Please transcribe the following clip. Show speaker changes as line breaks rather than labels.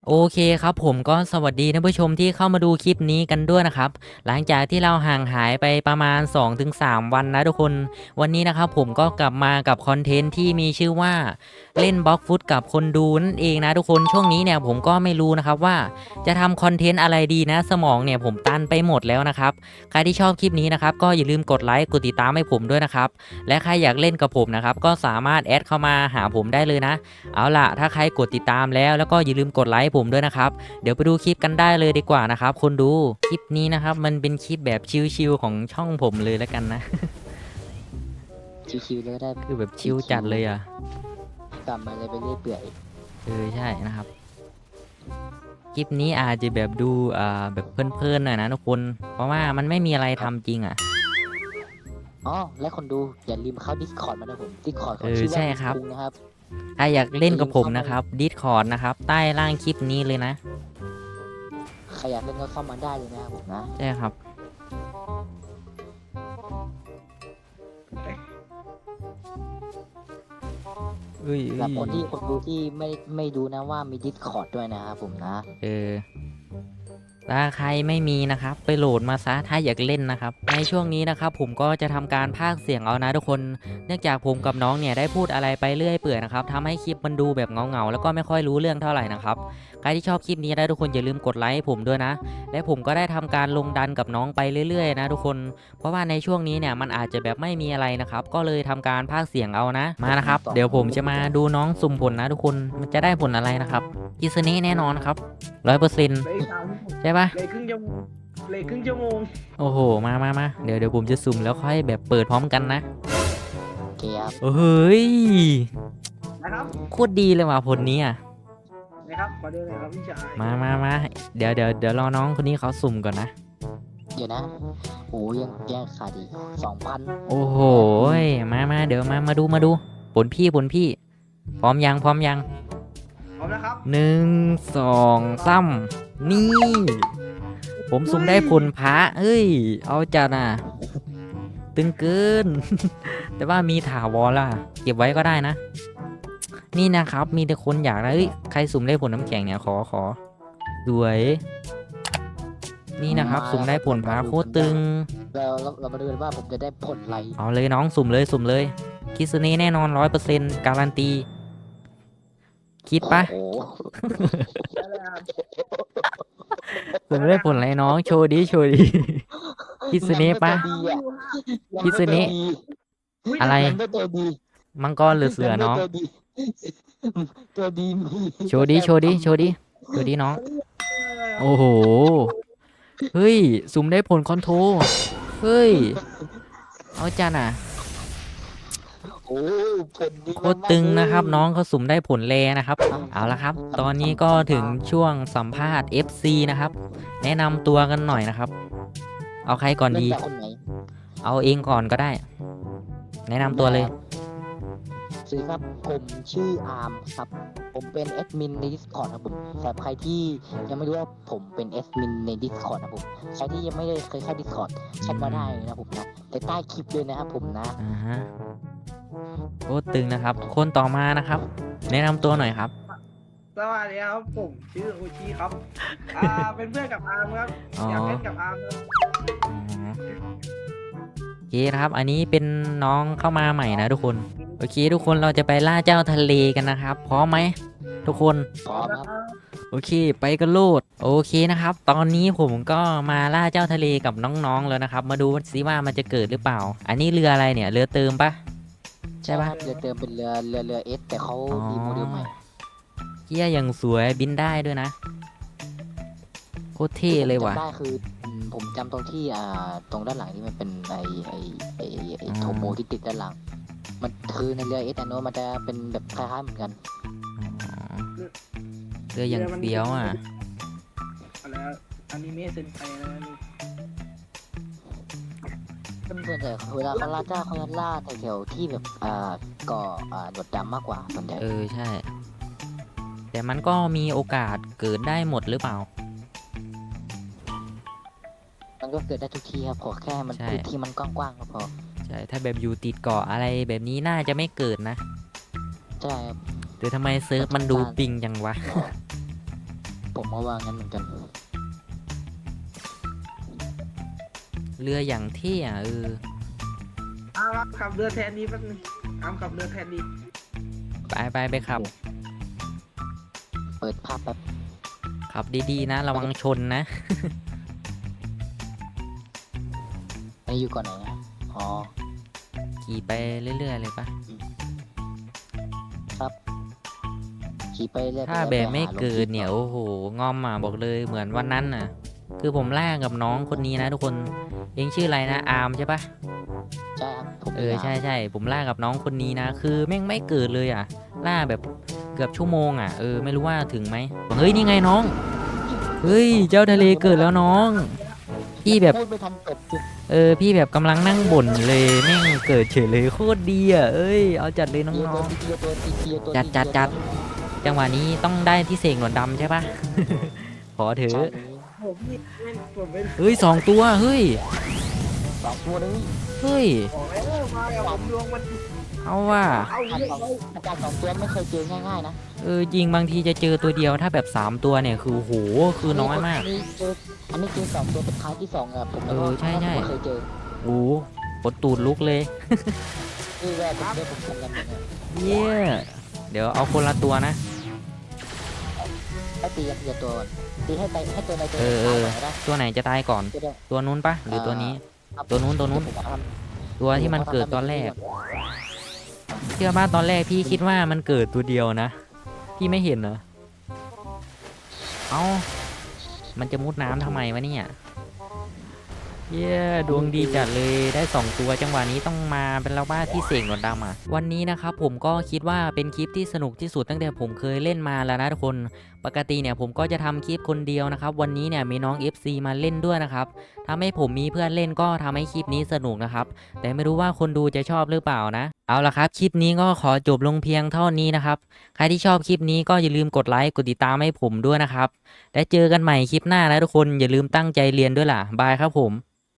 โอเคครับผมก็สวัสดีท่านผู้ชมที่เข้ามาดูคลิปนี้กันด้วยนะครับหลังจากที่เราห่างหายไปประมาณ2-3วันนะทุกคนวันนี้นะครับผมก็กลับมากับคอนเทนต์ที่มีชื่อว่าเล่นบล็อกฟุตกับคนดูนั่นเองนะทุกคนช่วงนี้เนี่ยผมก็ไม่รู้นะครับว่าจะทำคอนเทนต์อะไรดีนะสมองเนี่ยผมตันไปหมดแล้วนะครับใครที่ชอบคลิปนี้นะครับก็อย่าลืมกดไลค์กดติดตามให้ผมด้วยนะครับและใครอยากเล่นกับผมนะครับก็สามารถแอดเข้ามาหาผมได้เลยนะ เอาล่ะถ้าใครกดติดตามแล้วก็อย่าลืมกดไลค์ผมด้วยนะครับเดี๋ยวไปดูคลิปกันได้เลยดีกว่านะครับคนดูคลิปนี้นะครับมันเป็นคลิปแบบชิลๆของช่องผมเลยแล้วกันนะ
ชิวๆเลยก็ได้
คือแบบชิลจัดเลยอ่ะ
กลับมาเลยไปเรื่อยเปื่อย
ใช่นะครับคลิปนี้อาจจะแบบดูแบบเพลินๆหน่อยนะทุกคนเพราะว่ามันไม่มีอะไรทำจริงอ่ะ
อ๋อและคนดูอย่าลืมเข้า Discord มานะผม Discord ของชื่อว่า
ใช่ครับ
คุงนะครับ
ถ้าอยากเล่นกับผมนะครับ Discord นะครับใต้ล่างคลิปนี้เลยนะ
ใครอยากเล่นก็เข้ามาได้เลยนะครับผมนะ
ใช่ครับ
สำหรับคนดูที่ไม่ดูนะว่ามี Discord ด้วยนะครับผมนะ
เออ ถ้าใครไม่มีนะครับไปโหลดมาซะถ้าอยากเล่นนะครับในช่วงนี้นะครับผมก็จะทำการพากย์เสียงเอานะทุกคนเนื่องจากผมกับน้องเนี่ยได้พูดอะไรไปเรื่อยเปื่อยนะครับทำให้คลิปมันดูแบบเงาแล้วก็ไม่ค่อยรู้เรื่องเท่าไหร่นะครับใครที่ชอบคลิปนี้ได้ทุกคนอย่าลืมกดไลค์ให้ผมด้วยนะและผมก็ได้ทำการลงดันกับน้องไปเรื่อยๆนะทุกคนเพราะว่าในช่วงนี้เนี่ยมันอาจจะแบบไม่มีอะไรนะครับก็เลยทำการพากย์เสียงเอานะมานะครับเดี๋ยวผมจะมาดูน้องสุ่มผลนะทุกคนมันจะได้ผลอะไรนะครับกิสนี้แน่นอนครับ100%
เลยสาม
ใช่ปะ
เลยครึ่งชั่วโมงเลยครึ่งชั่วโมง
โอ้โหมาเดี๋ยวผมจะสุ่มแล้วค่อยแบบเปิดพร้อมกันนะ
โอเคครับ
โอ้เฮ้ย
นะครับ
โคตรดีเลยว่ะผลนี้อ่ะ
นะครับขอเดินเลยครับพี่ชาย
มาเดี๋ยวรอน้องคนนี้เขาสุ่มก่อนนะ
เดี๋ยวนะโอ้ยังขาดอีก2,000
โอ้โหมาเดี๋ยวมาดูผลพี่พร้อมยัง
พร้อมนะครับ
1 2 3นี่ผมสุ่มได้ผลพระเอ้ยเอาจัดอ่ะตึงเกิน แต่ว่ามีถาวรล่ะเก็บไว้ก็ได้นะ นี่นะครับมีแต่คนอยากนะเอ้ยใครสุ่มได้ผลน้ำแข็งเนี่ยขอสวยนี่นะครับสุ่มได้ผลพาโคตรตึง
เรามาดูกันว่าผมจะได้ผลอะไร
เอาเลยน้องสุ่มเลยคิสเน่แน่นอน100%การันตีคิดปะ
โอ้โห
ได้เลยครับ
สุ่มได้ผลอะไรน้องโชว์ดิคิสเน่ปะคิสเน่อะไร
ยังไม่ตัวดี
มังกรหรือเสือน้อง
ตัวดีตัวดีมี
โชว์ดิน้องโอ้โหเฮ้ยสุ่มได้ผลคอนโทรเฮ้ยเอาจันอ่ะ
โอ้ผลดี
โคตรตึงนะครับน้องเขาสุ่มได้ผลแรนะครับเอาละครับตอนนี้ก็ถึงช่วงสัมภาษณ์ FC นะครับแนะนำตัวกันหน่อยนะครับเอาใครก่อนดี
เริ่มจากคนไหน
เอาเองก่อนก็ได้แนะนำตัวเลย
สวัสดีครับผมชื่ออาร์มครับผมเป็นแอดมินใน Discord ครับผมสำหรับใครที่ยังไม่รู้ว่าผมเป็นแอดมินใน Discord นะผมใครที่ยังไม่ได้เคยเข้า Discord แชทมาได้นะผมนะในใต้คลิปเลยนะครับผมนะ
อ่าฮะโคตรตึงนะครับคนต่อมานะครับแนะนำตัวหน่อยครับ
สวัสดีครับผมชื่อโอชิครับเป็นเพื่อนกับอาร์มครับ
อ๋อ
อยากเล่นกับอาร์มครับ
อ๋อโอเคครับอันนี้เป็นน้องเข้ามาใหม่นะทุกคนโอเคทุกคนเราจะไปล่าเจ้าทะเลกันนะครับพร้อมไหมทุกคน
พร้อมครับ
โอเคไปกันโลดโอเคนะครับตอนนี้ผมก็มาล่าเจ้าทะเลกับน้องๆแล้วนะครับมาดูซิว่ามันจะเกิดหรือเปล่าอันนี้เรืออะไรเนี่ยเรือเติมปะใช่ปะ
เรือเติมเป็นเรือเอสแต่เขามีโมเดลใหม่
เกียอย่างสวยบินได้ด้วยนะโคตรเท่เลยว่ะ
จำได้คือผมจำตรงที่ตรงด้านหลังที่มันเป็นไอโทโมที่ติดด้านหลังมันคือในเรือเอสอันโนมันจะเป็นแบบคล้ายๆเหมือนกัน
อ๋อเรืออย่างเฟี้ยวอ่ะ
อะไรอนิเมะเซนไตอะไรนี่
ส่วนใหญ่เวลาเขาล่าเจ้าเขาจะล่าแถวๆที่แบบก่อหนวดดำมากกว่าส่วนใหญ่
ใช่แต่มันก็มีโอกาสเกิดได้หมดหรือเปล่า
มันก็เกิดได้ทุกที่ครับขอแค่มันพื้นที่มันกว้างๆก็พอ
ใช่ถ้าแบบอยู่ติดเกาะอะไรแบบนี้น่าจะไม่เกิดนะ
ใช่ครับ
แต่ทำไมเซิร์ฟมันดูปิงจังวะ
ผมก็ว่างั้นเหมือนกัน
เรืออย่างเท่อะ
อ้าวขับเรือแทนดีแป๊บนึงอามขับเรือแทนดี
ไปขับ
เปิดภาพแบบ
ขับดีๆนะระวังชนนะ
อันนี้อยู่ก่อนไหนนะอ๋อ
ขี่ไปเรื่อยๆเลยปะ
ครับขี่ไปเรื่อยๆ
ถ้าแบบไม่เกิดเนี่ยโอ้โหงอมอ่ะบอกเลยเหมือนวันนั้นน่ะ คือผมล่ากับน้องคนนี้นะทุกคนเองชื่ออะไรนะอาร์มใช่ปะ
ใช่ครับผม
ใช่ผมล่ากับน้องคนนี้นะ คือแม่งไม่เกิดเลยอ่ะ ล่าแบบเกือบชั่วโมงอ่ะไม่รู้ว่าถึงไหมเฮ้ยนี่ไงน้องเฮ้ยเจ้าทะเลเกิดแล้วน้อง พี่แบบ
พูดไม่ทันจบจุด
พี่แบบกำลังนั่งบ่นเลยแม่งเกิดเฉยเลยโคตรดีอ่ะเอาจัดเลยน้องๆจัด จังหวะนี้ต้องได้ที่เสกหนวดดำใช่ปะ ขอเถ
ใช่
อะ
ผมนี่ผมเป็น
เฮ้ย2 ตัวเฮ้ย
สองตัวเลย
เฮ้ย
บอกแล้วมากับผมดวงมัน
เอาว่า
เอาเยอะเลย
อาจารย์สองตัวไม่เคยเจอง่ายๆนะ
จริงบางทีจะเจอตัวเดียวถ้าแบบ3 ตัวเนี่ยคือโหคือน้อยมาก
อันนี้เจอสองตัวเป็นท้ายที่สองอะผม
ใช่
ไม่เคยเจอ
โอ้ปวดตูดลุกเลย
คือว่าผมได้ผมทำกันอย่างเงี้ย
เย้เดี๋ยวเอาคนละตัวนะ
ให้ตีกันทีละตัวก่อนตีให้ตัวในตัว
เออ
ท้ายก่อนก็ได้
ตัวไหนจะตายก่อน
จะได้
ตัวนู้นปะหรือตัวนี้
ครับ
ตัวนู้น
ผมท
ตัวที่มันเกิดตอนแรก เชื่อป่ะตอนแรกพี่คิดว่ามันเกิดตัวเดียวนะ พี่ไม่เห็นเหรอ เอ้า มันจะมุดน้ำทำไมวะเนี่ย เย้ดวงดีจัดเลยได้2 ตัวจังหวะนี้ต้องมาเป็นเราบ้าที่เสกหนวดดำอ่ะวันนี้นะครับผมก็คิดว่าเป็นคลิปที่สนุกที่สุดตั้งแต่ผมเคยเล่นมาแล้วนะทุกคนปกติเนี่ยผมก็จะทำคลิปคนเดียวนะครับวันนี้เนี่ยมีน้อง FC มาเล่นด้วยนะครับทำให้ผมมีเพื่อนเล่นก็ทำให้คลิปนี้สนุกนะครับแต่ไม่รู้ว่าคนดูจะชอบหรือเปล่านะเอาละครับคลิปนี้ก็ขอจบลงเพียงเท่านี้นะครับใครที่ชอบคลิปนี้ก็อย่าลืมกดไลค์กดติดตามให้ผมด้วยนะครับและเจอกันใหม่คลิปหน้านะทุกคนอย่าลืมตั้งใจเรียนด้วยล่ะบายครับผม